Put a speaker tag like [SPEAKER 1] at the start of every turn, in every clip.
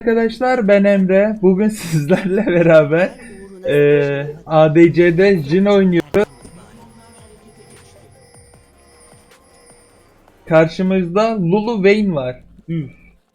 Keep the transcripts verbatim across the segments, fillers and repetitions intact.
[SPEAKER 1] Arkadaşlar ben Emre. Bugün sizlerle beraber eee A D C'de Jhin oynuyoruz. Karşımızda Lulu Vayne var. Üf.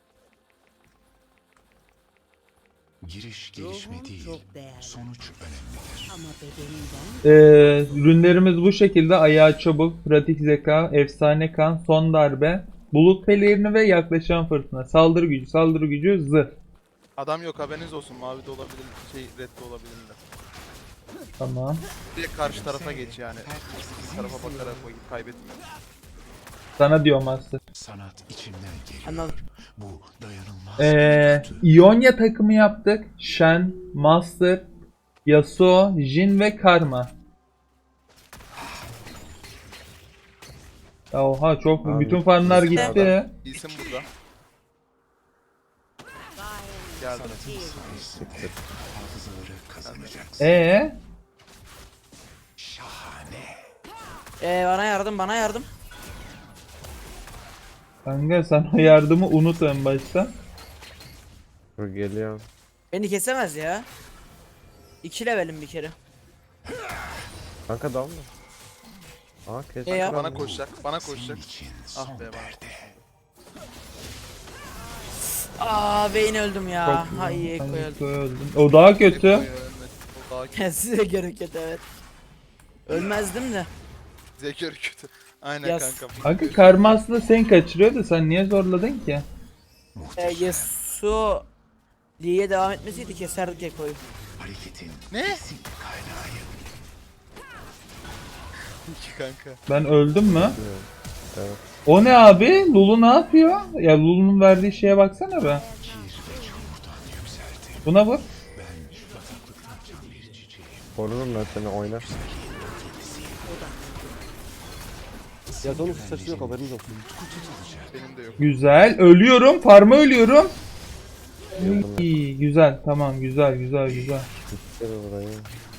[SPEAKER 2] Giriş gelişme değil, sonuç önemlidir.
[SPEAKER 3] Ama bedeninden
[SPEAKER 1] Eee ürünlerimiz bu şekilde: ayağı çabuk, pratik zeka, efsane kan, son darbe, bulut pelerini ve yaklaşan fırtına. Saldırı gücü, saldırı gücü, zırh.
[SPEAKER 4] Adam yok, haberiniz olsun. Mavi de olabilir, şey red de olabilir de.
[SPEAKER 1] Tamam.
[SPEAKER 4] Direkt karşı tarafa geç yani. Bir tarafa bakarak vakit kaybetme.
[SPEAKER 1] Sana diyor Master.
[SPEAKER 2] Sanat içimden geliyor.
[SPEAKER 3] anladım.
[SPEAKER 2] Bu dayanılmaz.
[SPEAKER 1] Eee
[SPEAKER 2] bir
[SPEAKER 1] İonya takımı yaptık. Shen, Master, Yasuo, Jhin ve Karma. Ya oha, çok
[SPEAKER 5] Abi,
[SPEAKER 1] bütün farmlar
[SPEAKER 5] bizim
[SPEAKER 1] gitti.
[SPEAKER 4] adam- İlsim burada. Geldim.
[SPEAKER 2] sayesinde hafızaları kazanacaksın.
[SPEAKER 1] Ee,
[SPEAKER 2] Şahane.
[SPEAKER 3] Ee, bana yardım, bana yardım.
[SPEAKER 1] kanka sen o yardımı unut en başta.
[SPEAKER 5] Dur geliyorum.
[SPEAKER 3] Beni kesemez ya. İki levelim bir kere.
[SPEAKER 5] Kanka dalma. Aa kes.
[SPEAKER 3] E ya.
[SPEAKER 4] Bana koşacak, bana koşacak.
[SPEAKER 2] Senin için
[SPEAKER 4] Ah
[SPEAKER 2] son
[SPEAKER 4] be bana.
[SPEAKER 2] perde.
[SPEAKER 3] Aa, Vayne öldüm ya.
[SPEAKER 1] Çok
[SPEAKER 3] Ha
[SPEAKER 1] güzel.
[SPEAKER 3] iyi,
[SPEAKER 1] Sen
[SPEAKER 3] Ekko öldüm.
[SPEAKER 1] Ekko'ya öldün. O daha kötü.
[SPEAKER 4] Eko'ya ölmedi. O daha kötü.
[SPEAKER 3] Size göre kötü, evet. Ölmezdim de.
[SPEAKER 4] Zekör kötü. Aynen
[SPEAKER 3] Yaz.
[SPEAKER 4] kanka.
[SPEAKER 1] Kanka karma aslında seni kaçırıyor da sen niye zorladın ki?
[SPEAKER 3] Ee,
[SPEAKER 2] Muhteşem.
[SPEAKER 3] Yasuo Lee'ye devam etmeseydi keserdik Ekko'yu.
[SPEAKER 2] Hareketin
[SPEAKER 4] Ne?
[SPEAKER 2] kesin kaynağı.
[SPEAKER 4] İki kanka.
[SPEAKER 1] Ben öldüm mü?
[SPEAKER 5] Evet.
[SPEAKER 1] O ne abi? Lulu ne yapıyor? Ya Lulu'nun verdiği şeye baksana be.
[SPEAKER 2] Kir ve çamurdan yükseldi.
[SPEAKER 1] Buna bak.
[SPEAKER 2] Ben bataklıktan can bir çiçeğim.
[SPEAKER 5] Korurum ben seni oyna.
[SPEAKER 6] Yazonun saçı yok, haberiniz olsun.
[SPEAKER 4] Benim de yok.
[SPEAKER 1] Güzel. Ölüyorum. Farma ölüyorum.
[SPEAKER 5] Yardım et.
[SPEAKER 1] İyi, güzel. Tamam, güzel güzel güzel.
[SPEAKER 5] Gel burayı.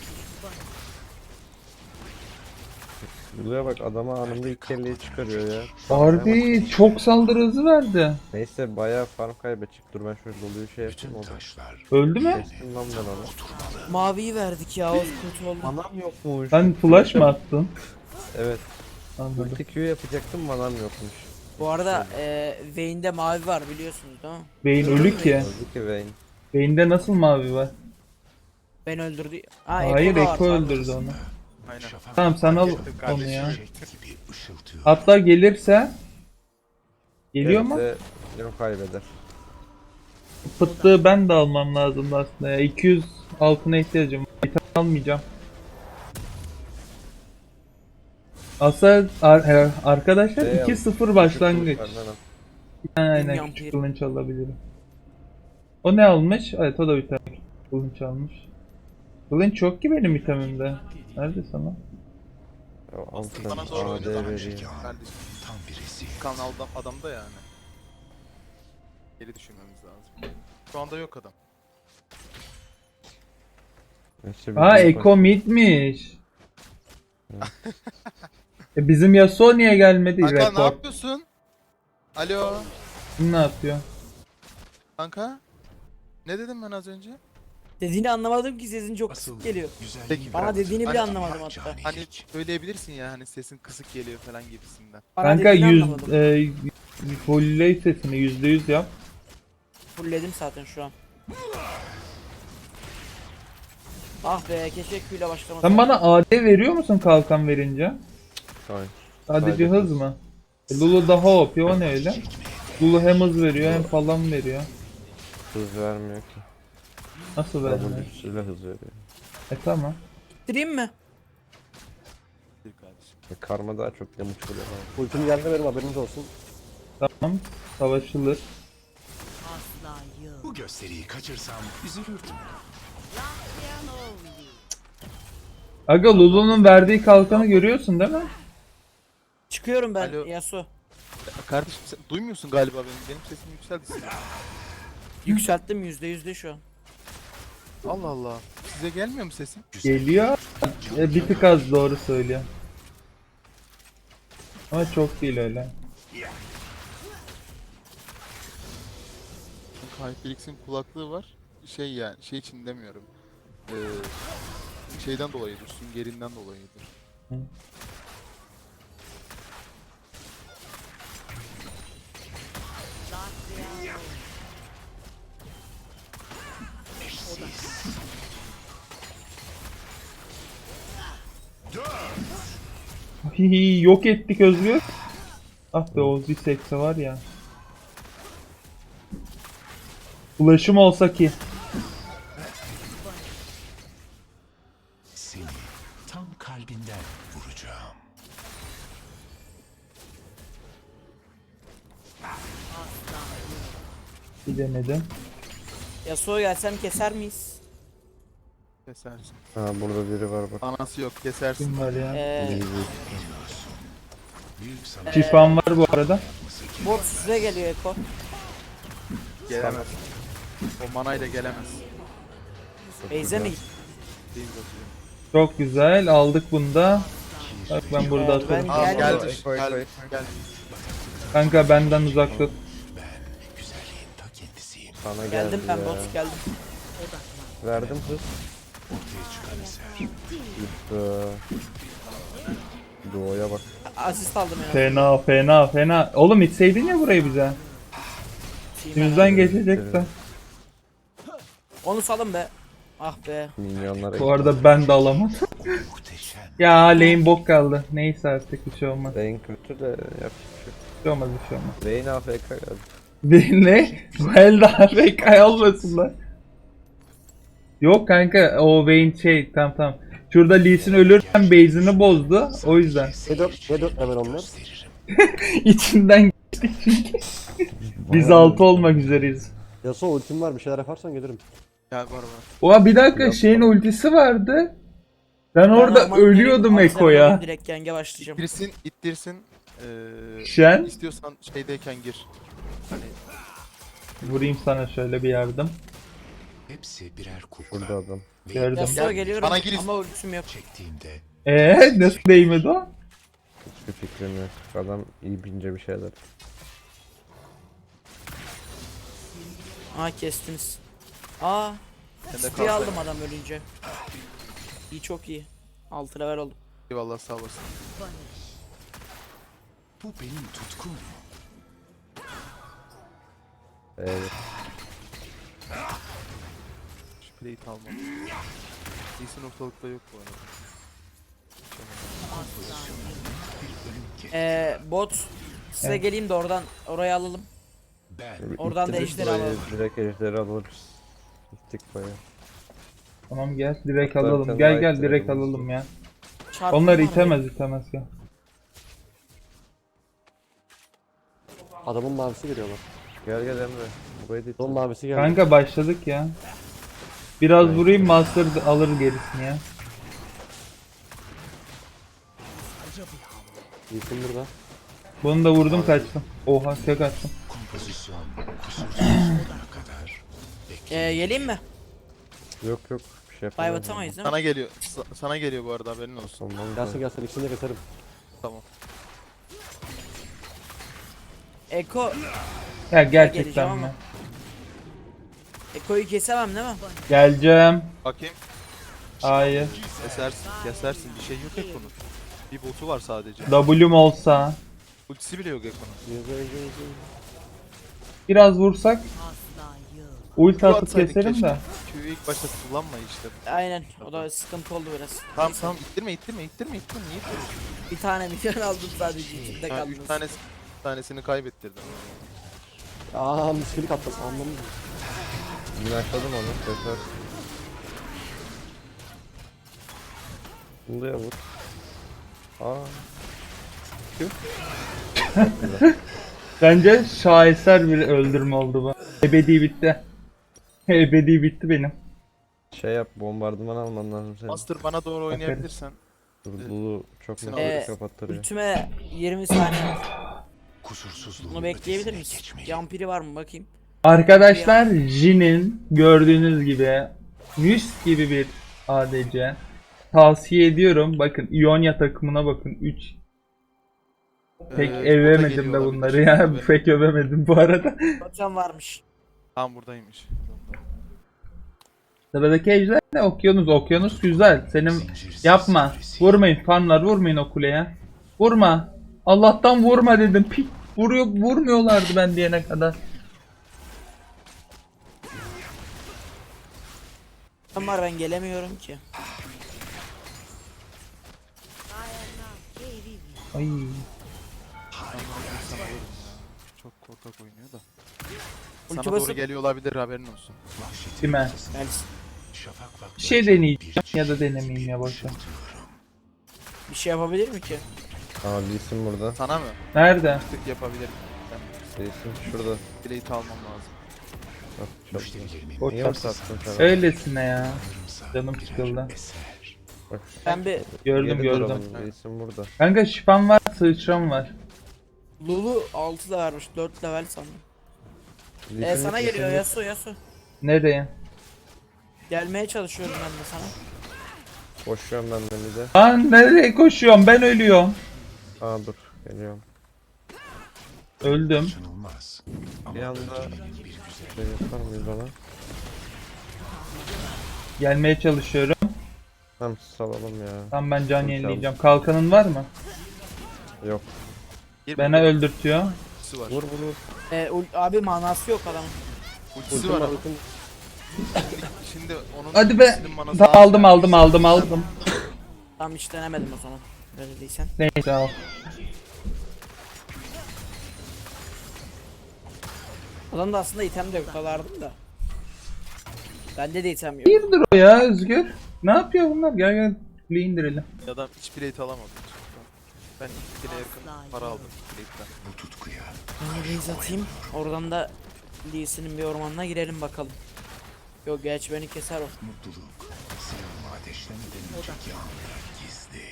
[SPEAKER 5] Lulu'ya bak, adama anında ilk kelleyi çıkarıyor ya.
[SPEAKER 1] Harbi çok saldırı hızı verdi.
[SPEAKER 5] Neyse bayağı farm kaybedecek. Dur ben şöyle Lulu'yu şey
[SPEAKER 2] Bütün
[SPEAKER 5] yapayım oldu.
[SPEAKER 2] taşlar
[SPEAKER 1] Öldü mü?
[SPEAKER 5] Kestim lan ben onu.
[SPEAKER 3] Maviyi verdik ya, o kötü oldu.
[SPEAKER 5] Manam yokmuş.
[SPEAKER 1] Sen flash mı attın?
[SPEAKER 5] Evet.
[SPEAKER 1] Anladım.
[SPEAKER 5] Ulti Q yapacaktım, manam yokmuş.
[SPEAKER 3] Bu arada e, Vayne'de mavi var biliyorsunuz değil mi?
[SPEAKER 1] Vayne ölü ki.
[SPEAKER 5] Öldü ki Vayne.
[SPEAKER 1] Vayne'de nasıl mavi var?
[SPEAKER 3] Ben öldürdü. Ha,
[SPEAKER 1] Hayır,
[SPEAKER 3] da var,
[SPEAKER 1] Ekko
[SPEAKER 3] pardon.
[SPEAKER 1] öldürdü onu.
[SPEAKER 4] Aynen.
[SPEAKER 1] Tamam, sen al
[SPEAKER 4] Ettim
[SPEAKER 1] onu
[SPEAKER 4] kardeşim.
[SPEAKER 1] ya.
[SPEAKER 2] gibi ışıltıyor.
[SPEAKER 1] Hatta gelirse geliyor mu?
[SPEAKER 5] Gelirse Yok kaybeder.
[SPEAKER 1] Fıttığı ben de almam lazım aslında ya. iki yüz altına ihtiyacım var. İtem almayacağım. Aslında ar- e, arkadaşlar
[SPEAKER 5] Şey
[SPEAKER 1] iki
[SPEAKER 5] al,
[SPEAKER 1] sıfır başlangıç.
[SPEAKER 5] Küçük kılıçlardan al.
[SPEAKER 1] Aynen,
[SPEAKER 3] Bilmiyorum,
[SPEAKER 1] küçük
[SPEAKER 3] bir-
[SPEAKER 1] kılınç alabilirim. O ne almış? Evet, o da bir tane kılınç almış. Kılınç yok ki benim itemimde. Nerede sana?
[SPEAKER 5] Ya, al sen
[SPEAKER 4] Bana doğru
[SPEAKER 5] A
[SPEAKER 4] oynadı
[SPEAKER 5] D
[SPEAKER 4] ama
[SPEAKER 5] vereyim.
[SPEAKER 4] kardeşim.
[SPEAKER 2] Tam bir rezil.
[SPEAKER 4] Kanalda adamda yani. Geri düşünmemiz lazım. Şu anda yok adam.
[SPEAKER 5] Neyse, bir
[SPEAKER 1] Aa,
[SPEAKER 5] gün
[SPEAKER 1] Eko midmiş. e bizim Yasuo niye gelmedi?
[SPEAKER 4] Kanka ne
[SPEAKER 1] Report.
[SPEAKER 4] yapıyorsun? Alo.
[SPEAKER 1] Kim ne yapıyor?
[SPEAKER 4] Kanka. Ne dedim ben az önce?
[SPEAKER 3] Dediğini anlamadım ki, sesin çok
[SPEAKER 2] Asıl
[SPEAKER 3] kısık geliyor.
[SPEAKER 2] güzelliği
[SPEAKER 4] Peki,
[SPEAKER 3] Bana
[SPEAKER 2] bırak.
[SPEAKER 3] dediğini bile
[SPEAKER 4] Hani-
[SPEAKER 3] anlamadım hatta.
[SPEAKER 2] Cani
[SPEAKER 4] Hani
[SPEAKER 2] hiç.
[SPEAKER 4] söyleyebilirsin ya, hani sesin kısık geliyor falan gibisinden.
[SPEAKER 3] Bana
[SPEAKER 1] Kanka
[SPEAKER 3] dediğini
[SPEAKER 1] yüz
[SPEAKER 3] anlamadım.
[SPEAKER 1] e, fullley sesini yüzde yüz yap.
[SPEAKER 3] Fullledim zaten şu an. Ah be, keşke Q ile başlamasaydım.
[SPEAKER 1] Sen bana A D veriyor musun kalkan verince?
[SPEAKER 5] Hayır.
[SPEAKER 1] Sadece
[SPEAKER 5] Sadece
[SPEAKER 1] hız
[SPEAKER 5] hız.
[SPEAKER 1] mı? E, Lulu daha O P, o ne öyle? Lulu hem hız veriyor hem falan veriyor.
[SPEAKER 5] Hız vermiyor ki.
[SPEAKER 1] Nasıl vermiyor?
[SPEAKER 5] W'suyla hız veriyor.
[SPEAKER 1] E tamam.
[SPEAKER 3] Bitireyim mi?
[SPEAKER 4] Bir kardeşim.
[SPEAKER 5] E, karma daha çok damage vuruyor. Ha.
[SPEAKER 6] Ultim geldi benim, haberiniz olsun.
[SPEAKER 1] Tamam. Savaşılır.
[SPEAKER 3] Asla yok.
[SPEAKER 2] Bu gösteriyi kaçırsam üzülürdüm.
[SPEAKER 1] Aga, Lulu'nun verdiği kalkanı görüyorsun değil mi?
[SPEAKER 3] Çıkıyorum ben
[SPEAKER 4] Alo.
[SPEAKER 3] Yasuo.
[SPEAKER 4] Kardeşim sen duymuyorsun galiba benim. Benim sesim yükseldi sizin.
[SPEAKER 3] Yükselttim yüzde yüzde şu an.
[SPEAKER 4] Allah Allah. Size gelmiyor mu sesim?
[SPEAKER 1] Geliyor. E, bir tık az, doğru söylüyor. Ama çok değil öyle.
[SPEAKER 4] HyperX'in kulaklığı var. Şey yani şey için demiyorum. Ee, şeyden dolayıdır. Süngerinden dolayıdır.
[SPEAKER 1] Hihi, yok ettik Özgür. Ah be o Zisex'e var ya. Ulaşım olsa ki.
[SPEAKER 2] Seni tam kalbinden vuracağım.
[SPEAKER 1] Bir denedim.
[SPEAKER 3] Yasuo gelsem keser miyiz?
[SPEAKER 4] Kesersin.
[SPEAKER 5] Ha burada biri var bak.
[SPEAKER 4] Anası yok kesersin.
[SPEAKER 1] Kim var ya?
[SPEAKER 3] Ee,
[SPEAKER 2] Büyük sana
[SPEAKER 1] Şifam var bu arada.
[SPEAKER 3] bot size geliyor Eko.
[SPEAKER 4] Gelemez. O manayla gelemez.
[SPEAKER 3] Beyze mi?
[SPEAKER 4] Değil atıyor.
[SPEAKER 1] Çok güzel aldık bunu da. Bak ben burada
[SPEAKER 3] Evet, ben
[SPEAKER 1] atarım.
[SPEAKER 4] Aa,
[SPEAKER 3] geldim.
[SPEAKER 4] geldi.
[SPEAKER 5] Eko, Eko,
[SPEAKER 4] Geldi.
[SPEAKER 5] Eko.
[SPEAKER 4] Geldi.
[SPEAKER 1] Kanka benden uzak tut.
[SPEAKER 2] güzelliğin ta kendisiyim.
[SPEAKER 5] Sana geldi
[SPEAKER 3] Geldim ben
[SPEAKER 5] ya.
[SPEAKER 3] bot geldim.
[SPEAKER 5] Verdim hız.
[SPEAKER 2] Ortaya çıkan eser.
[SPEAKER 5] Gitti. Doğuya bak.
[SPEAKER 3] Asist aldım ya.
[SPEAKER 1] Fena fena fena. Oğlum itseydin ya burayı bize. Yüzden geçecekti.
[SPEAKER 3] Onu salın be. Ah be.
[SPEAKER 5] Minyonlara
[SPEAKER 1] Bu arada ben de alamadım.
[SPEAKER 2] Muhteşem.
[SPEAKER 1] Ya lane bok kaldı. Neyse artık bir şey olmaz.
[SPEAKER 5] Vayne kötü de yapacak bir şey yok.
[SPEAKER 1] Bir şey olmaz bir şey olmaz.
[SPEAKER 5] Vayne A F K geldi.
[SPEAKER 1] Bir ne? Bu el daha F K olmasınlar. Yok kanka o Vayne şey tamam tamam. Şurada Lee Sin ölürken base'ini bozdu. O yüzden.
[SPEAKER 6] Ne dört, ne dört level onlar?
[SPEAKER 2] Gösteririm.
[SPEAKER 1] İçinden geçtik çünkü. Biz altı olmak üzereyiz.
[SPEAKER 6] Yasuo ultim var bir şeyler yaparsan gelirim.
[SPEAKER 4] Gel var var.
[SPEAKER 1] Oha bir dakika şeyin ultisi vardı. Ben orada
[SPEAKER 3] orman
[SPEAKER 1] ölüyordum
[SPEAKER 3] vereyim,
[SPEAKER 1] Eko'ya.
[SPEAKER 3] antrenmanı Direkt genge başlayacağım.
[SPEAKER 4] İttirsin, ittirsin. Ee,
[SPEAKER 1] Şen.
[SPEAKER 4] istiyorsan şeydeyken gir. Hani
[SPEAKER 1] Vurayım sana şöyle bir yardım.
[SPEAKER 2] Hepsi birer kukla.
[SPEAKER 5] Şurada adam.
[SPEAKER 1] Gördüm.
[SPEAKER 3] Yasuo
[SPEAKER 4] Gel,
[SPEAKER 3] geliyorum
[SPEAKER 4] bana gir.
[SPEAKER 3] ama ultim yok.
[SPEAKER 2] Çektiğimde
[SPEAKER 1] Eee nasıl değmedi o?
[SPEAKER 5] Hiçbir fikrim yok. Adam iyi bince bir şeyler.
[SPEAKER 3] Aa kestiniz. Aa.
[SPEAKER 4] sen de
[SPEAKER 3] Spree
[SPEAKER 4] kalk.
[SPEAKER 3] aldım adam ölünce. İyi çok iyi. altı level oldum.
[SPEAKER 4] Eyvallah sağ olasın.
[SPEAKER 2] bu benim tutkum.
[SPEAKER 5] Evet.
[SPEAKER 4] Şu plate almam. İyisin ortalıkta yok bu arada.
[SPEAKER 3] Ee, bot size
[SPEAKER 1] Evet.
[SPEAKER 3] geleyim de oradan oraya alalım.
[SPEAKER 2] Ben
[SPEAKER 3] Oradan da
[SPEAKER 5] İttirdik
[SPEAKER 3] ejderi
[SPEAKER 5] burayı,
[SPEAKER 3] alalım.
[SPEAKER 5] Direkt ejderi alırız. Gittik baya.
[SPEAKER 1] Tamam gel direkt
[SPEAKER 5] Zaten
[SPEAKER 1] alalım. Gel gel
[SPEAKER 5] light
[SPEAKER 1] direkt
[SPEAKER 5] level'ımız
[SPEAKER 1] alalım ya.
[SPEAKER 3] Çarpım
[SPEAKER 1] Onlar
[SPEAKER 3] var mı?
[SPEAKER 1] itemez itemez ya.
[SPEAKER 6] Adamın mavisi geliyor bak.
[SPEAKER 5] Gel gel Emre. Burayı da
[SPEAKER 6] Adamın
[SPEAKER 5] ittir.
[SPEAKER 6] mavisi geldi.
[SPEAKER 1] Kanka başladık ya. Biraz vurayım Master alır gerisini ya.
[SPEAKER 6] İyisin burada.
[SPEAKER 1] Bunu da vurdum kaçtım. Oha tek attım.
[SPEAKER 2] kompozisyon kusursuzluğuna kadar
[SPEAKER 3] Ee, geleyim mi?
[SPEAKER 5] Yok yok. Bir şey
[SPEAKER 3] Dive
[SPEAKER 5] yapamam.
[SPEAKER 3] atamayız değil mi?
[SPEAKER 4] Sana geliyor. sa- sana geliyor bu arada haberin olsun.
[SPEAKER 5] Ondan
[SPEAKER 6] Gelsin gelsin ikisini de keserim.
[SPEAKER 4] Tamam.
[SPEAKER 3] Eko.
[SPEAKER 1] Ya
[SPEAKER 3] Geleceğim
[SPEAKER 1] gerçekten
[SPEAKER 3] ama.
[SPEAKER 1] mi?
[SPEAKER 3] Eko'yu kesemem değil mi?
[SPEAKER 1] Geleceğim.
[SPEAKER 4] Bakayım.
[SPEAKER 1] Hayır.
[SPEAKER 4] Kesersin. Kesersin. Bir şey yok Ekko'nun. Bir botu var sadece.
[SPEAKER 1] W'm olsa.
[SPEAKER 4] Ultisi bile yok Ekko'nun.
[SPEAKER 6] Yüzde yüzde yüzde.
[SPEAKER 1] Biraz vursak. Ulti
[SPEAKER 4] Q
[SPEAKER 1] atıp
[SPEAKER 4] atsaydın
[SPEAKER 1] keserim
[SPEAKER 4] keşke.
[SPEAKER 1] de.
[SPEAKER 4] Q'yu ilk başta kullanma işte.
[SPEAKER 3] Aynen. O da sıkıntı oldu biraz.
[SPEAKER 4] Tamam tamam ittirme ittirme ittirme ittirme. Niye ittirme?
[SPEAKER 3] Bir tane milyon aldım sadece. İçinde
[SPEAKER 4] Ha,
[SPEAKER 3] kaldınız.
[SPEAKER 4] üç tanesi, üç tanesini kaybettirdim.
[SPEAKER 6] Aaa miskilik attım anlamı.
[SPEAKER 5] Minajladım onu. Keser. Buluya vur. Aa.
[SPEAKER 1] Bence şaheser bir öldürme oldu bu. Ebedi bitti. Ebedi bitti benim.
[SPEAKER 5] Şey yap, bombardıman alman lazım senin.
[SPEAKER 4] Master bana doğru oynayabilirsen.
[SPEAKER 5] Dur, Bulu çok
[SPEAKER 4] Ee,
[SPEAKER 5] minajları kapattırıyor.
[SPEAKER 3] Ultime yirmi saniye.
[SPEAKER 2] kusursuzluğun
[SPEAKER 3] Bunu bekleyebilir
[SPEAKER 2] ötesine
[SPEAKER 3] miyiz?
[SPEAKER 2] geçmeliyim.
[SPEAKER 3] Yampiri var mı bakayım?
[SPEAKER 1] Arkadaşlar Jin'in gördüğünüz gibi Müs gibi bir A D C. Tavsiye ediyorum. Bakın Ionia takımına bakın. üç. Pek
[SPEAKER 4] Ee,
[SPEAKER 1] övemedim
[SPEAKER 4] bota
[SPEAKER 1] de
[SPEAKER 4] geliyor
[SPEAKER 1] bunları
[SPEAKER 4] olabilir.
[SPEAKER 1] ya.
[SPEAKER 4] Evet.
[SPEAKER 1] Pek övemedim bu arada.
[SPEAKER 3] Hocam varmış.
[SPEAKER 4] Tam buradaymış.
[SPEAKER 1] Sıradaki ejder ne? Okyanus. Okyanus güzel. Senin yapma. Vurmayın fanlar, vurmayın o kuleye. Vurma. Allah'tan vurma dedim. Pik vuruyor, vurmuyorlardı ben diyene kadar.
[SPEAKER 3] Var ben gelemiyorum ki.
[SPEAKER 1] Ay.
[SPEAKER 4] Çok korkak oynuyor da.
[SPEAKER 3] Ulti
[SPEAKER 4] Sana doğru
[SPEAKER 3] basıp
[SPEAKER 4] geliyor olabilir, haberin olsun.
[SPEAKER 1] Kime?
[SPEAKER 3] yani
[SPEAKER 2] Şafak vakti
[SPEAKER 1] Bir şey deneyeceğim ya da denemeyeyim ya boşver.
[SPEAKER 3] bir şey yapabilir mi ki?
[SPEAKER 5] Aa Lee Sin burada.
[SPEAKER 4] Sana mı?
[SPEAKER 1] Nerede?
[SPEAKER 4] Tık yapabilirim. Ben
[SPEAKER 5] Lee Sin şurada.
[SPEAKER 4] plate almam lazım.
[SPEAKER 5] Bak çok güzel.
[SPEAKER 2] müşterilerimin
[SPEAKER 1] Boş
[SPEAKER 5] Niye
[SPEAKER 1] ver.
[SPEAKER 5] uzattın sen?
[SPEAKER 1] Öylesine ya. Canım sıkıldı.
[SPEAKER 2] eser.
[SPEAKER 5] Bak.
[SPEAKER 3] Ben bir
[SPEAKER 1] Gördüm
[SPEAKER 5] Geri
[SPEAKER 1] gördüm.
[SPEAKER 5] duralım, Lee Sin burada.
[SPEAKER 1] Kanka şifam var, sıçram var.
[SPEAKER 3] Lulu altı da vermiş, dört level sandım.
[SPEAKER 5] Lee
[SPEAKER 3] E
[SPEAKER 5] Sin-
[SPEAKER 3] sana
[SPEAKER 5] Lee
[SPEAKER 3] geliyor
[SPEAKER 5] Sin-
[SPEAKER 3] Yasuo Yasuo.
[SPEAKER 1] Nereye?
[SPEAKER 3] Gelmeye çalışıyorum ben de sana.
[SPEAKER 5] Koşuyorum ben de bir de.
[SPEAKER 1] Lan nereye koşuyorum? Ben ölüyorum.
[SPEAKER 5] Aa dur geliyorum.
[SPEAKER 1] Öldüm.
[SPEAKER 2] Kaçınılmaz.
[SPEAKER 5] Bir anda şey yapar mıyız ona?
[SPEAKER 1] Gelmeye çalışıyorum.
[SPEAKER 5] Tamam salalım ya.
[SPEAKER 1] Tam ben can yenileyeceğim. Kalkanın var mı?
[SPEAKER 5] Yok.
[SPEAKER 4] Bir
[SPEAKER 1] Beni öldürtüyor.
[SPEAKER 4] ultisi var.
[SPEAKER 5] Vur vur vur.
[SPEAKER 3] E, ul- abi manası yok adamın.
[SPEAKER 4] Ultisi
[SPEAKER 6] Ultim
[SPEAKER 4] var
[SPEAKER 6] var
[SPEAKER 4] ama
[SPEAKER 6] ultim.
[SPEAKER 4] şimdi onun
[SPEAKER 1] Hadi be.
[SPEAKER 4] ultisinin manası
[SPEAKER 1] Da- aldım aldım aldım aldım.
[SPEAKER 3] Tam hiç denemedim o zaman. Öyle değilsen.
[SPEAKER 1] Neyse al.
[SPEAKER 3] Adamda aslında item de yok kalardım da. Bende de item yok.
[SPEAKER 1] Hayırdır o ya Özgür? Ne yapıyor bunlar? Gel gel. Kuleyi indirelim.
[SPEAKER 4] Adam hiç plate alamadı. Ben iki kere yakın para aldım plate'den.
[SPEAKER 2] Bu tutkuya
[SPEAKER 3] Ben base atayım. Oradan da Lee'sinin bir ormanına girelim bakalım. Yok geç beni keser o.
[SPEAKER 2] mutluluk silahımı ateşlemeden önceki anda gizli.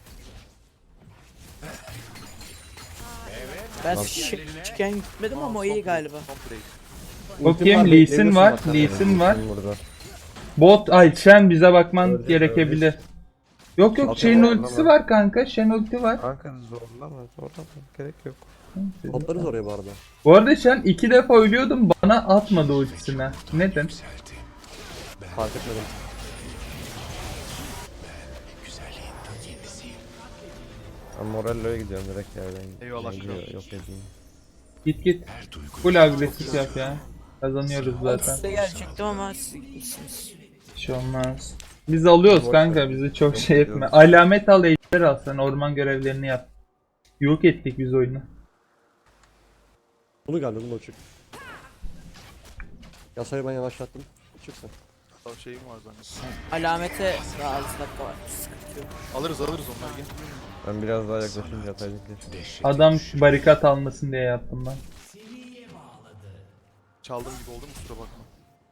[SPEAKER 3] Ben şıkken gitmedim ama o iyi galiba.
[SPEAKER 4] Son plate.
[SPEAKER 1] Bakayım
[SPEAKER 6] var,
[SPEAKER 1] Lee Sin
[SPEAKER 6] bekleyebilirsin
[SPEAKER 1] var.
[SPEAKER 6] bak sen.
[SPEAKER 1] Lee Sin var.
[SPEAKER 5] Lee Sin burada.
[SPEAKER 1] Bot ay Shen bize bakman
[SPEAKER 5] Öyle,
[SPEAKER 1] gerekebilir. Yok yok
[SPEAKER 5] Zaten
[SPEAKER 1] Shen'in
[SPEAKER 5] zorlama.
[SPEAKER 1] ultisi var kanka. Shen ulti var.
[SPEAKER 5] Kanka zorlama zorlama. Gerek yok.
[SPEAKER 6] Toplarız oraya bu arada.
[SPEAKER 1] Bu arada Shen iki defa ölüyordum bana atmadı ultisine. Neden?
[SPEAKER 2] Yükseldi.
[SPEAKER 6] Fark etmedim.
[SPEAKER 2] Güzelliğin ta kendisiyim.
[SPEAKER 5] Ben Morello'ya gidiyorum direkt yerden.
[SPEAKER 4] Eyvallah,
[SPEAKER 5] Geliyor,
[SPEAKER 4] kral.
[SPEAKER 5] yok edeyim.
[SPEAKER 1] Git git.
[SPEAKER 2] Her duygu
[SPEAKER 1] Full agresif yap ya. Kazanıyoruz zaten.
[SPEAKER 3] Size gelecektim ama siz gitmişsiniz.
[SPEAKER 1] Bir şey olmaz. Biz alıyoruz
[SPEAKER 5] Boş
[SPEAKER 1] kanka
[SPEAKER 5] ver.
[SPEAKER 1] bizi çok
[SPEAKER 5] Yok,
[SPEAKER 1] şey etme.
[SPEAKER 5] yok.
[SPEAKER 1] Alamet al ejder al sen orman görevlerini yap. Yok ettik biz oyunu.
[SPEAKER 6] Bunu geldi bunu çık. Yasayı ben yavaşlattım. Çıksın.
[SPEAKER 4] Daha şeyim var zannettim.
[SPEAKER 3] Alamete daha altı dakika var. Sıkıntı yok.
[SPEAKER 4] Alırız alırız onları gel.
[SPEAKER 5] Ben biraz daha yaklaşınca atacaklar.
[SPEAKER 2] dehşet.
[SPEAKER 1] Adam barikat almasın diye yaptım ben.
[SPEAKER 4] Çaldığım gibi oldu mu kusura bakma.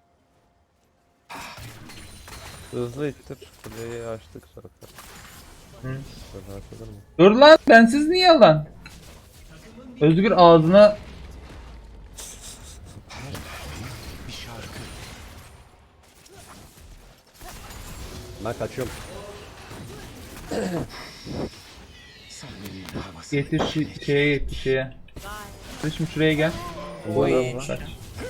[SPEAKER 5] Hızlı ittir. Kuleyi açtık zaten.
[SPEAKER 1] Hı.
[SPEAKER 5] Sonra açılır mı?
[SPEAKER 1] Dur lan bensiz niye lan? Özgür ağzına
[SPEAKER 2] Bir şarkı.
[SPEAKER 6] Ben kaçıyorum.
[SPEAKER 2] Sahnenin havası.
[SPEAKER 1] getir şi- şeye getir şeye. Şimdi şuraya gel.
[SPEAKER 3] Oy.
[SPEAKER 1] Kaç.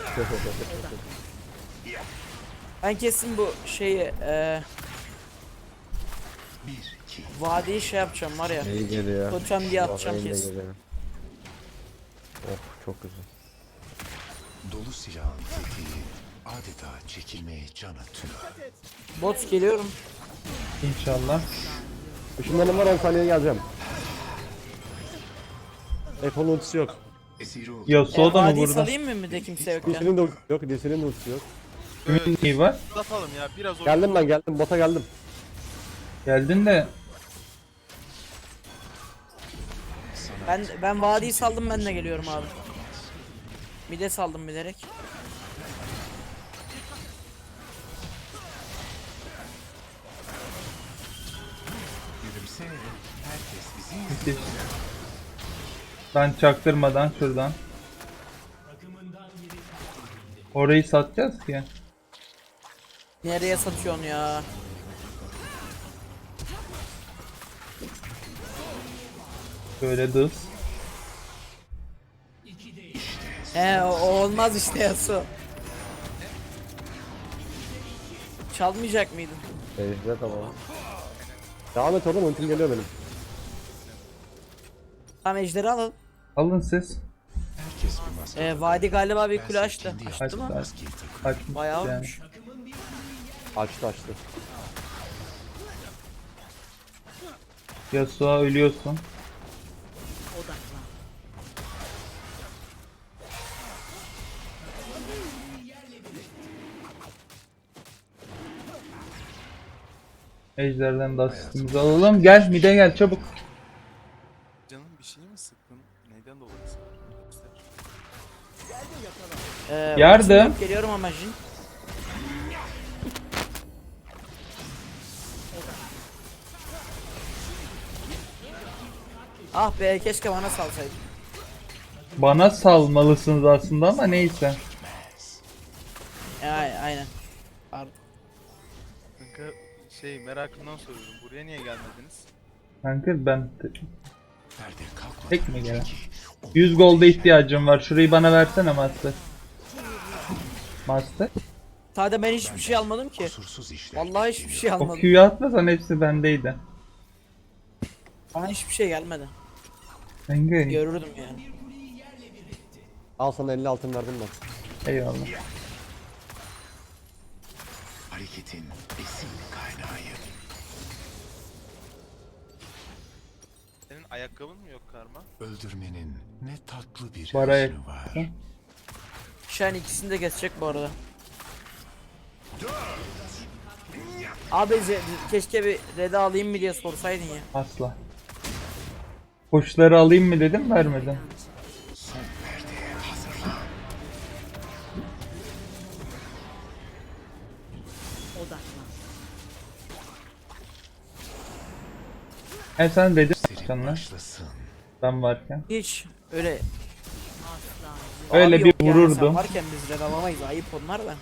[SPEAKER 3] Ben kesin bu şeyi eee
[SPEAKER 2] Bir, iki.
[SPEAKER 3] vadiyi şey yapacağım var ya.
[SPEAKER 5] İyi geliyor.
[SPEAKER 3] Totem diye atacağım
[SPEAKER 5] Vallahi
[SPEAKER 3] kesin.
[SPEAKER 5] geliyor. Oh çok güzel.
[SPEAKER 2] Dolu silahın tetiği adeta çekilmeye can atıyor.
[SPEAKER 3] Bot geliyorum.
[SPEAKER 1] İnşallah.
[SPEAKER 6] Işınlarım var on saniyeye geleceğim. F-on ultisi yok.
[SPEAKER 2] Esiri oldu.
[SPEAKER 3] E,
[SPEAKER 1] Yasuo da mı
[SPEAKER 3] vadiyi
[SPEAKER 1] burada?
[SPEAKER 3] salayım mı bir de kimse yokken?
[SPEAKER 6] Lisin'in de ultisi yok. Lisin'in de ultisi yok.
[SPEAKER 1] Kimin neyi var?
[SPEAKER 4] Atalım ya biraz oyun.
[SPEAKER 6] Geldim ben geldim. Bota geldim.
[SPEAKER 1] Geldin de
[SPEAKER 3] Ben ben vadiyi saldım ben de geliyorum abi. Bir de saldım bilerek.
[SPEAKER 2] Gülümse. Herkes bizi
[SPEAKER 1] müthiş. Ben çaktırmadan şuradan. Orayı satacağız ki.
[SPEAKER 3] Nereye satıyorsun ya?
[SPEAKER 1] Böyle dız.
[SPEAKER 3] He o, o olmaz işte Yasuo. Çalmayacak mıydın?
[SPEAKER 5] Ejder tamam.
[SPEAKER 6] Devam et oğlum, ultim geliyor benim.
[SPEAKER 3] Tamam ejderi alalım.
[SPEAKER 1] Alın siz.
[SPEAKER 2] Herkes bir maske.
[SPEAKER 3] Ee, Vadi galiba bir kule
[SPEAKER 2] Bense
[SPEAKER 3] açtı.
[SPEAKER 2] kendi
[SPEAKER 3] Açtı
[SPEAKER 1] Açtı,
[SPEAKER 3] mı?
[SPEAKER 1] açtı.
[SPEAKER 2] maskeyi takıyorum.
[SPEAKER 1] Açmış
[SPEAKER 3] Bayağı
[SPEAKER 1] yani.
[SPEAKER 3] olmuş.
[SPEAKER 6] Açtı açtı.
[SPEAKER 1] Yasuo ölüyorsun. Ejderden de asistimizi alalım. Gel mide gel çabuk.
[SPEAKER 4] Canım bir şey mi sıktın? Neyden dolayı sıktın?
[SPEAKER 3] Ee,
[SPEAKER 1] Yardım.
[SPEAKER 3] ultim yok, geliyorum ama Jin. Ah be, keşke bana salsaydın.
[SPEAKER 1] Bana salmalısınız aslında ama neyse.
[SPEAKER 3] Ya, aynen. Pardon.
[SPEAKER 4] Kanka şey merakımdan soruyorum. Buraya niye gelmediniz?
[SPEAKER 1] Kanka ben te-
[SPEAKER 2] Perde kalkmadan
[SPEAKER 1] tek mi gelen?
[SPEAKER 2] önceki o
[SPEAKER 1] yüz golda ihtiyacım var. Şurayı bana versene Master. Master.
[SPEAKER 3] Sadece ben hiçbir şey almadım ki.
[SPEAKER 2] kusursuz işler.
[SPEAKER 3] Vallahi hiçbir şey
[SPEAKER 1] O
[SPEAKER 3] almadım.
[SPEAKER 1] Q'yu atmasan hepsi bendeydi.
[SPEAKER 3] Bana hiçbir şey gelmedi.
[SPEAKER 1] Kanka
[SPEAKER 3] Görürdüm yani.
[SPEAKER 6] Al sana elli altın verdim ben.
[SPEAKER 1] eyvallah.
[SPEAKER 2] Hareketin besin kaynağıyım.
[SPEAKER 4] Senin ayakkabın mı yok Karma?
[SPEAKER 2] Öldürmenin ne tatlı bir
[SPEAKER 1] Bara
[SPEAKER 2] hüznü var.
[SPEAKER 3] Şen ikisini de kesecek bu arada. Abi ze- keşke bir reda alayım mı diye sorsaydın ya.
[SPEAKER 1] Asla. Koçları alayım mı dedim vermedin.
[SPEAKER 2] Son perdeye hazırlan.
[SPEAKER 1] E sen dedin
[SPEAKER 2] Serin
[SPEAKER 1] canlar
[SPEAKER 2] başlasın.
[SPEAKER 1] ben varken.
[SPEAKER 3] Hiç öyle
[SPEAKER 1] Öyle
[SPEAKER 3] Abi
[SPEAKER 1] bir
[SPEAKER 3] yok yani, sen
[SPEAKER 1] vururdum.
[SPEAKER 3] varken biz red alamayız, ayıp onlar da.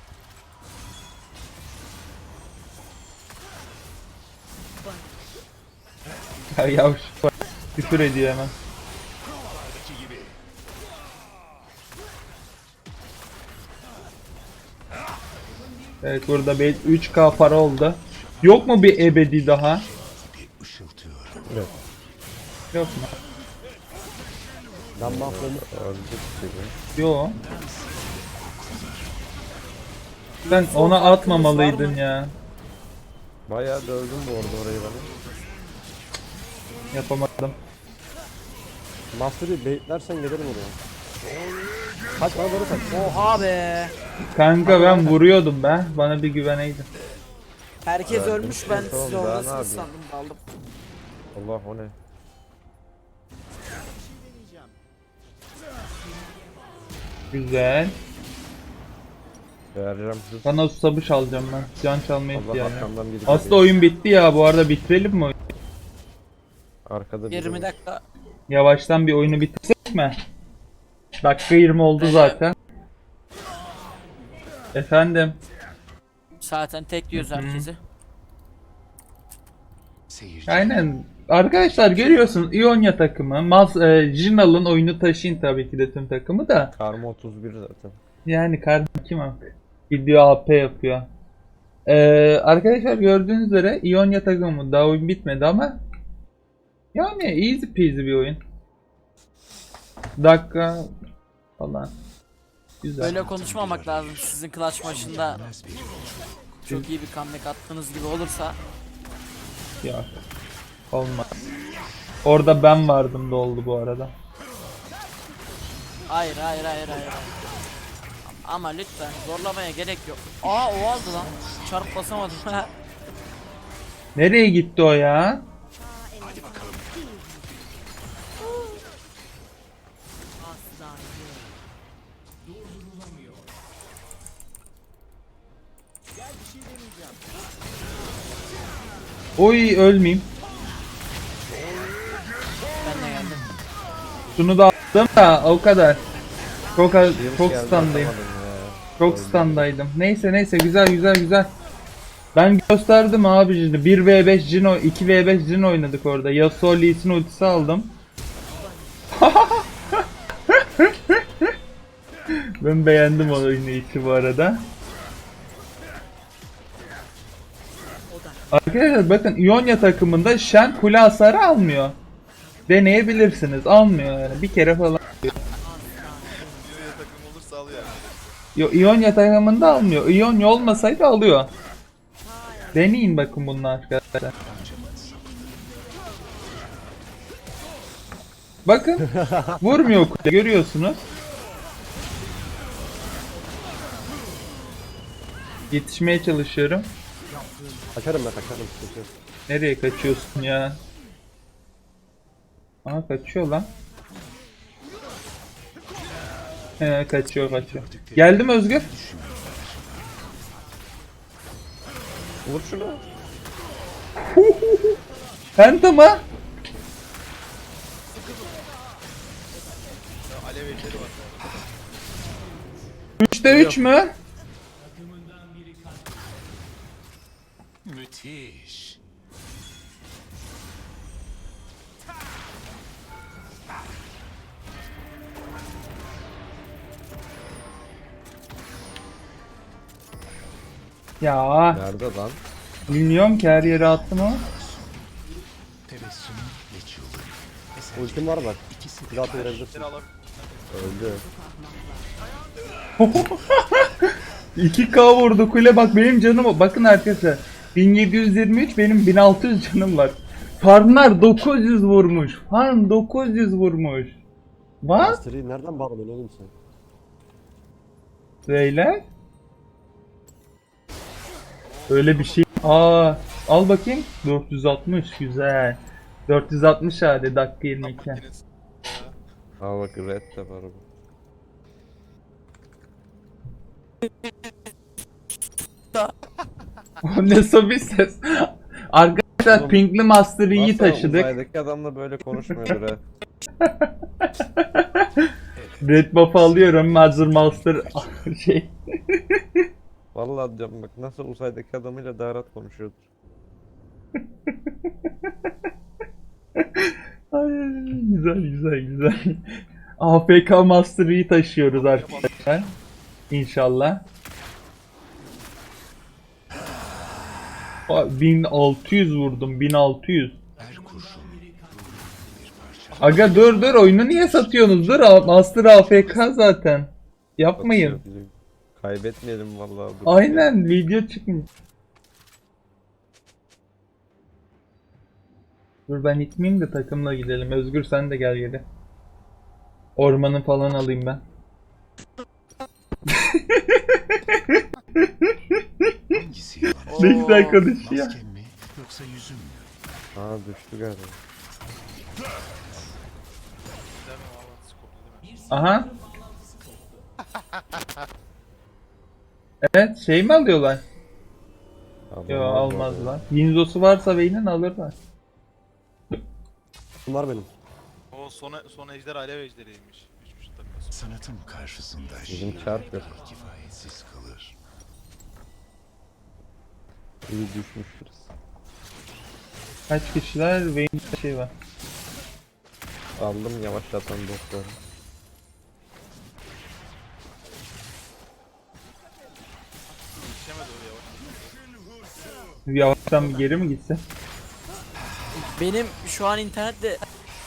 [SPEAKER 1] Ya yavuş bak, küfür ediyor hemen. Evet burada bir üç K para oldu. Yok mu bir ebedi daha?
[SPEAKER 2] Bir ışıltıyorum.
[SPEAKER 1] Yok mu?
[SPEAKER 6] Ben mahvoldum.
[SPEAKER 5] Öldük gibi.
[SPEAKER 1] Yok. Sen ona atmamalıydın ya.
[SPEAKER 5] Bayağı dövdüm bu arada orayı bana.
[SPEAKER 1] Yapamadım.
[SPEAKER 6] Master'ı baitlersen gelirim oraya. Kaç bana doğru kaç.
[SPEAKER 3] Oha be.
[SPEAKER 1] Kanka ben vuruyordum be. Bana bir güveneydin.
[SPEAKER 3] Herkes
[SPEAKER 5] Evet,
[SPEAKER 3] ölmüş, ben
[SPEAKER 5] tamam,
[SPEAKER 3] siz
[SPEAKER 5] daha ne
[SPEAKER 3] oradasınız
[SPEAKER 5] yapayım?
[SPEAKER 3] sandım, daldım.
[SPEAKER 5] Allah o ne?
[SPEAKER 1] Güzel.
[SPEAKER 5] Vereceğim hız.
[SPEAKER 1] Sana susamış alacağım ben. Can çalmaya
[SPEAKER 5] Allah
[SPEAKER 1] ihtiyacım.
[SPEAKER 5] arkamdan biri
[SPEAKER 1] Aslında
[SPEAKER 5] geliyor.
[SPEAKER 1] oyun bitti ya. Bu arada bitirelim mi oyunu?
[SPEAKER 5] Arkada biri
[SPEAKER 3] yirmi
[SPEAKER 5] var.
[SPEAKER 3] dakika.
[SPEAKER 1] Yavaştan bir oyunu bitirsek mi? Dakika yirmi oldu
[SPEAKER 3] Evet.
[SPEAKER 1] zaten. Efendim.
[SPEAKER 3] Zaten tek diyoruz herkesi.
[SPEAKER 2] Seyirci.
[SPEAKER 1] Aynen. Arkadaşlar görüyorsunuz İonya takımı. Maz, e, Jinal'ın oyunu taşıyın tabii ki de tüm takımı da.
[SPEAKER 5] Karma otuz bir zaten.
[SPEAKER 1] Yani kardeşim kim artık? Gidiyor A P yapıyor. Ee, arkadaşlar gördüğünüz üzere İonya takımı daha oyun bitmedi ama yani easy peasy bir oyun. Dakika falan. Güzel.
[SPEAKER 3] Böyle konuşmamak lazım. Sizin clutch maçında
[SPEAKER 2] Bilmez bir yolculuk.
[SPEAKER 3] çok iyi bir comeback attığınız gibi olursa.
[SPEAKER 1] Yok. Olmaz. Orada ben vardım da oldu bu arada.
[SPEAKER 3] Hayır hayır hayır hayır. Ama lütfen zorlamaya gerek yok. Aa o aldı lan. Çarp basamadım.
[SPEAKER 1] Nereye gitti o ya? Oy ölmeyeyim.
[SPEAKER 3] Ben de geldim.
[SPEAKER 1] Şunu da aldım da o kadar. Çok az, çok
[SPEAKER 5] Geldi,
[SPEAKER 1] standayım.
[SPEAKER 5] atamadım ya.
[SPEAKER 1] Çok standaydım. Neyse neyse güzel güzel güzel. Ben gösterdim abi şimdi. bir ve beş Jin, iki ve beş Jin oynadık orada. Yasuo Lee Sin ultisi aldım. Ben beğendim o oynayışı bu arada. Arkadaşlar bakın İonya takımında Shen kule hasarı almıyor. Deneyebilirsiniz. Almıyor yani. Bir kere falan.
[SPEAKER 4] Yine takım olursa alıyor yani.
[SPEAKER 1] Yo, İonya takımında almıyor. İonya olmasaydı alıyor. Deneyin bakın bunu arkadaşlar. Bakın vurmuyor kule, görüyorsunuz. Yetişmeye çalışıyorum.
[SPEAKER 6] Kaçarım ben kaçarım. Sıkıntı yok.
[SPEAKER 1] Nereye kaçıyorsun ya? Aha kaçıyor lan. He kaçıyor kaçıyor. Geldim Özgür.
[SPEAKER 5] Vur şunu.
[SPEAKER 1] Penta mı?
[SPEAKER 4] Ya alev ejderi var.
[SPEAKER 1] üçte üç mü?
[SPEAKER 2] Müthiş.
[SPEAKER 1] Ya
[SPEAKER 5] Nerede lan?
[SPEAKER 1] bilmiyorum ki her yere attım ama.
[SPEAKER 2] Tebessümün ve çığlık. Eser
[SPEAKER 6] Ultim var bak.
[SPEAKER 2] ikisi de
[SPEAKER 6] Bir daha verebilirsin.
[SPEAKER 4] Ejderi alabilir.
[SPEAKER 5] Öldü.
[SPEAKER 1] iki K vurdu kule, bak benim canım, bakın arkadaşlar bin yedi yüz yirmi üç, benim bin altı yüz canım var. Farmlar dokuz yüz vurmuş. Farm dokuz yüz vurmuş. What?
[SPEAKER 6] Master'ı nereden bağladın oğlum sen?
[SPEAKER 1] Beyler. Öyle bir şey. Aa, al bakayım. dört yüz altmış güzel. dört yüz altmış hadi dakika yirmi iki.
[SPEAKER 4] Yine
[SPEAKER 5] Aa bak red de var bu.
[SPEAKER 1] O ne sobi ses. Arkadaşlar
[SPEAKER 5] Oğlum,
[SPEAKER 1] Pinkli Master'ı iyi
[SPEAKER 5] Nasıl
[SPEAKER 1] taşıdık.
[SPEAKER 5] uzaydaki adamla böyle konuşmuyordur ha.
[SPEAKER 1] Red buff'ı alıyorum. Master Master şey.
[SPEAKER 5] Vallahi diyorum bak nasıl uzaydaki adamıyla daha rahat konuşuyordur.
[SPEAKER 1] Ay, güzel güzel güzel. A F K Master'ı iyi taşıyoruz arkadaşlar. İnşallah. Aa, bin altı yüz vurdum. bin altı yüz.
[SPEAKER 2] her kurşun bir parça.
[SPEAKER 1] Aga dur dur, oyunu niye satıyorsunuz? Dur, A- Master A F K zaten. Yapmayın.
[SPEAKER 5] Atıyor bizi. Kaybetmeyelim vallahi. dur.
[SPEAKER 1] Aynen, video çıkmış. Dur ben itmeyeyim de takımla gidelim. Özgür sen de gel geri. Ormanı falan alayım ben.
[SPEAKER 2] Hangisi yalan?
[SPEAKER 1] Ne güzel konuşuyor.
[SPEAKER 2] Maskem mi yoksa yüzüm mü?
[SPEAKER 5] Aa düştü galiba.
[SPEAKER 1] Aha. Evet, şey mi alıyorlar?
[SPEAKER 5] Adam
[SPEAKER 1] Yo,
[SPEAKER 5] var
[SPEAKER 1] almazlar. Winzos'u varsa Vayne'in alırlar.
[SPEAKER 6] Bunlar benim.
[SPEAKER 4] O son, son ejder alev ejderiymiş. Üç buçuk dakikası.
[SPEAKER 2] Sanatım karşısında
[SPEAKER 5] Bizim
[SPEAKER 2] şiir
[SPEAKER 5] çarp yok.
[SPEAKER 2] kifayetsiz kalır.
[SPEAKER 5] İyi düşmüştür.
[SPEAKER 1] Kaç kişiler? Vayne'de şey var.
[SPEAKER 5] Aldım yavaşlatan dostları.
[SPEAKER 4] Yetişemedi o yavaş.
[SPEAKER 1] Yavaştan bir geri mi gitse?
[SPEAKER 3] Benim şu an internette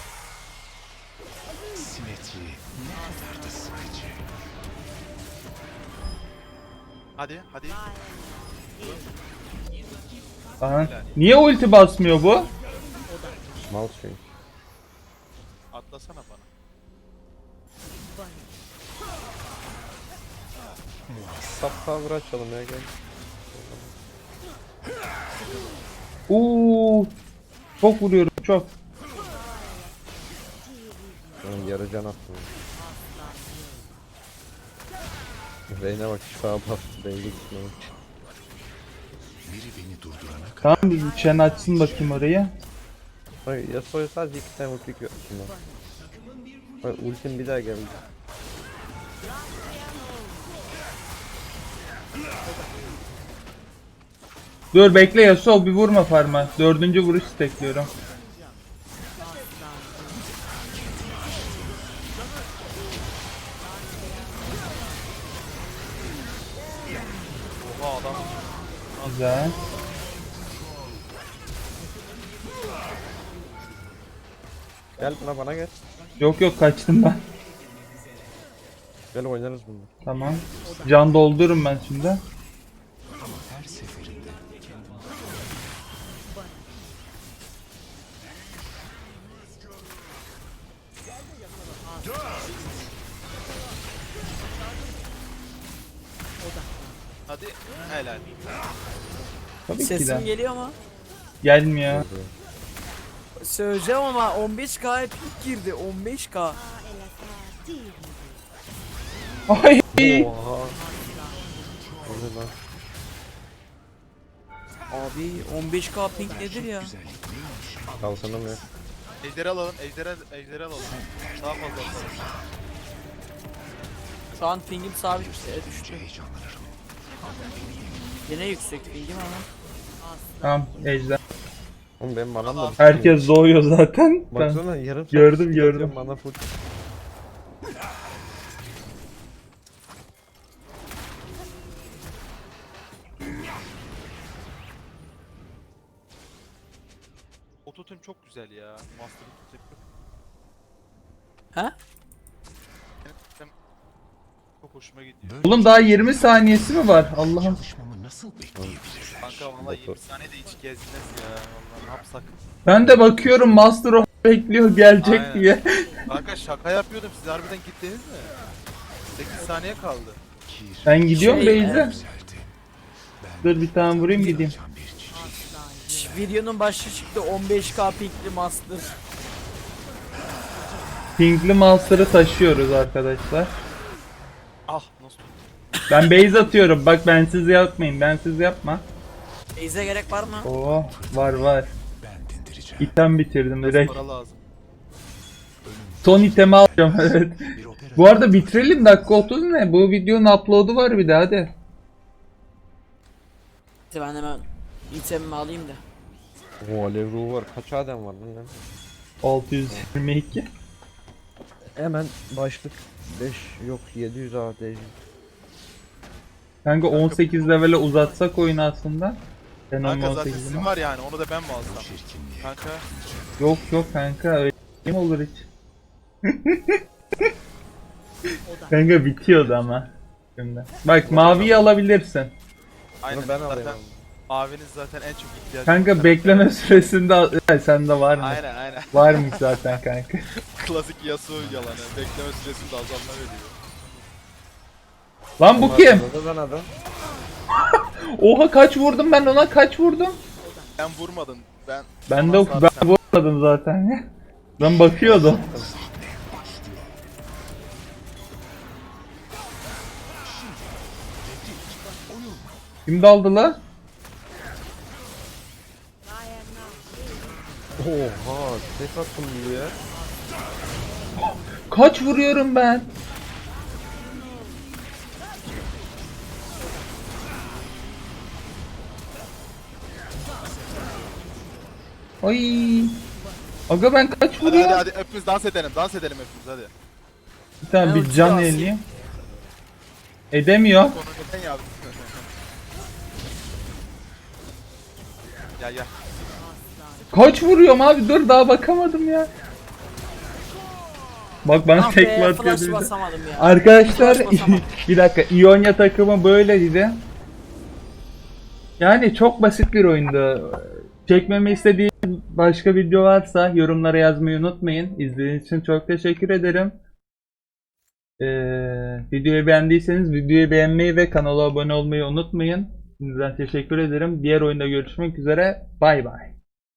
[SPEAKER 2] Simetri ne kadar da sıkıcı.
[SPEAKER 4] Hadi hadi.
[SPEAKER 1] Aha. Niye ulti basmıyor bu?
[SPEAKER 5] Mal çünkü.
[SPEAKER 4] Atlasana bana.
[SPEAKER 5] Sap cover açalım ya gel.
[SPEAKER 1] Oo, çok vuruyorum çok.
[SPEAKER 5] Ben yarı can attım. Reyne bak şifa bastı belli gitmiyor.
[SPEAKER 2] Biri beni durdurana kadar
[SPEAKER 1] Tamam, bir Shen açsın bakayım orayı.
[SPEAKER 5] Hayır Yasuo'ya sadece iki tane ulti yok şimdi. Hayır ultim bir daha geldi.
[SPEAKER 1] Dur bekle Yasuo, bir vurma farma. Dördüncü vuruş bekliyorum.
[SPEAKER 4] Oha adam.
[SPEAKER 1] Güzel.
[SPEAKER 5] Gel buna bana gel.
[SPEAKER 1] Yok yok kaçtım ben.
[SPEAKER 5] Gel oynarız bunu.
[SPEAKER 1] Tamam. Can doldururum ben şimdi.
[SPEAKER 2] Her seferinde
[SPEAKER 7] Hadi helal.
[SPEAKER 1] Tabii ki
[SPEAKER 3] Sesim
[SPEAKER 1] de.
[SPEAKER 3] geliyor mu?
[SPEAKER 1] Gelmiyor.
[SPEAKER 3] Söyleyeceğim ama on beş K'ya pik girdi. on beş K.
[SPEAKER 1] Ay.
[SPEAKER 5] Oha. O ne lan?
[SPEAKER 3] Abi on beş K ping nedir ya?
[SPEAKER 5] Kalsana mı?
[SPEAKER 7] Ejderi alalım, ejderi, ejderi alalım. Daha fazla alalım.
[SPEAKER 3] Şu an pingim sabit e, düştü.
[SPEAKER 2] heyecanlanırım.
[SPEAKER 3] Yine yüksek pingim ama.
[SPEAKER 1] Tamam ejder.
[SPEAKER 5] Oğlum benim manam da
[SPEAKER 1] Herkes doğuyor zaten. Ben
[SPEAKER 5] baksana yarım saat
[SPEAKER 1] Gördüm,
[SPEAKER 5] skill
[SPEAKER 1] gördüm.
[SPEAKER 5] atıyorum, Mana full.
[SPEAKER 7] Ototune çok güzel ya. Master Ototune.
[SPEAKER 3] Ha?
[SPEAKER 7] Benim çok hoşuma gidiyor.
[SPEAKER 2] Böyle
[SPEAKER 1] Oğlum daha yirmi saniyesi mi var? Allah'ım.
[SPEAKER 2] çalışmamı nasıl bekleyebilirler?
[SPEAKER 7] Kanka valla yirmi saniyede hiç gezmez ya. Valla ne yapsak.
[SPEAKER 1] Ben de bakıyorum Master of bekliyor gelecek
[SPEAKER 7] Aynen.
[SPEAKER 1] diye.
[SPEAKER 7] Kanka şaka yapıyordum. Siz harbiden gittiniz mi? sekiz saniye kaldı.
[SPEAKER 2] Kir
[SPEAKER 1] Ben gidiyorum
[SPEAKER 3] Şey,
[SPEAKER 1] Beyza.
[SPEAKER 2] güzeldi.
[SPEAKER 1] Dur bir tane vurayım gideyim.
[SPEAKER 2] Can bir çiçek.
[SPEAKER 3] Şş, videonun başı çıktı on beş K pingli master.
[SPEAKER 1] Pinkli Master'ı taşıyoruz arkadaşlar.
[SPEAKER 7] Ah nasıl tuttu?
[SPEAKER 1] Ben base atıyorum. Bak bensiz yapmayın. Bensiz yapma.
[SPEAKER 3] Beyze gerek var mı?
[SPEAKER 1] Oo var var.
[SPEAKER 2] Ben dindireceğim.
[SPEAKER 1] İtem bitirdim
[SPEAKER 7] Biraz
[SPEAKER 1] direkt.
[SPEAKER 7] para lazım.
[SPEAKER 1] Son itemi alacağım evet.
[SPEAKER 2] Bir opera
[SPEAKER 1] Bu arada bitirelim dakika otuz ne? Bu videonun upload'u var bir de hadi.
[SPEAKER 3] Ben hemen itemimi alayım da.
[SPEAKER 5] Oo alev ruhu var. Kaç adem var lan?
[SPEAKER 1] altı yüz yirmi iki.
[SPEAKER 5] Hemen başlık beş yok yedi yüz A D.
[SPEAKER 1] Kanka on sekiz levele uzatsak oyunu aslında. Ben
[SPEAKER 7] Kanka
[SPEAKER 1] on
[SPEAKER 7] zaten
[SPEAKER 1] sekizini.
[SPEAKER 7] sizin var yani onu da ben mi alsam?
[SPEAKER 2] çirkinliğe.
[SPEAKER 7] Kanka
[SPEAKER 1] Yok yok kanka öyle mi olur hiç? Kanka bitiyordu ama. Şimdi. Bak maviyi alabilirsin.
[SPEAKER 7] aynen
[SPEAKER 5] Bunu ben alayım
[SPEAKER 7] zaten
[SPEAKER 5] abi.
[SPEAKER 7] maviniz zaten en çok ihtiyacım.
[SPEAKER 1] Kanka bekleme süresinde al- Ha, sende var mı?
[SPEAKER 7] Aynen aynen.
[SPEAKER 1] Varmış zaten kanka.
[SPEAKER 7] Klasik Yasuo yalanı. Bekleme süresinde azalma veriyor.
[SPEAKER 1] Lan bu kim?
[SPEAKER 5] Ben adam.
[SPEAKER 1] Oha kaç vurdum ben ona kaç vurdum?
[SPEAKER 7] Ben vurmadın. Ben
[SPEAKER 1] Ben de
[SPEAKER 7] Sonra
[SPEAKER 1] ben
[SPEAKER 7] sen-
[SPEAKER 1] vurmadım zaten ya. Ben bakıyordum. Kim daldı la?
[SPEAKER 5] Oha tek attım buraya.
[SPEAKER 1] Kaç vuruyorum ben? Ay. Aga ben kaç
[SPEAKER 7] Hadi hadi
[SPEAKER 1] vuruyorum?
[SPEAKER 7] hadi hepimiz dans edelim. Dans edelim hepimiz hadi.
[SPEAKER 1] Bir tane
[SPEAKER 3] Ben
[SPEAKER 1] bir
[SPEAKER 3] ulti
[SPEAKER 1] can
[SPEAKER 3] basayım.
[SPEAKER 1] eleyeyim. Edemiyor.
[SPEAKER 7] Onu neden yaptın? Gel gel.
[SPEAKER 1] Kaç vuruyorum abi dur daha bakamadım ya. Bak bana
[SPEAKER 3] Ah
[SPEAKER 1] tekme
[SPEAKER 3] be
[SPEAKER 1] atıyor
[SPEAKER 3] flash
[SPEAKER 1] bir de.
[SPEAKER 3] basamadım ya.
[SPEAKER 1] Arkadaşlar
[SPEAKER 3] Flash basamadım.
[SPEAKER 1] bir dakika İonya takımı böyleydi. Yani çok basit bir oyundu. Çekmemi istediğiniz başka video varsa yorumlara yazmayı unutmayın. İzlediğiniz için çok teşekkür ederim. Ee, videoyu beğendiyseniz videoyu beğenmeyi ve kanala abone olmayı unutmayın. Sizden teşekkür ederim. Diğer oyunda görüşmek üzere. Bay bay.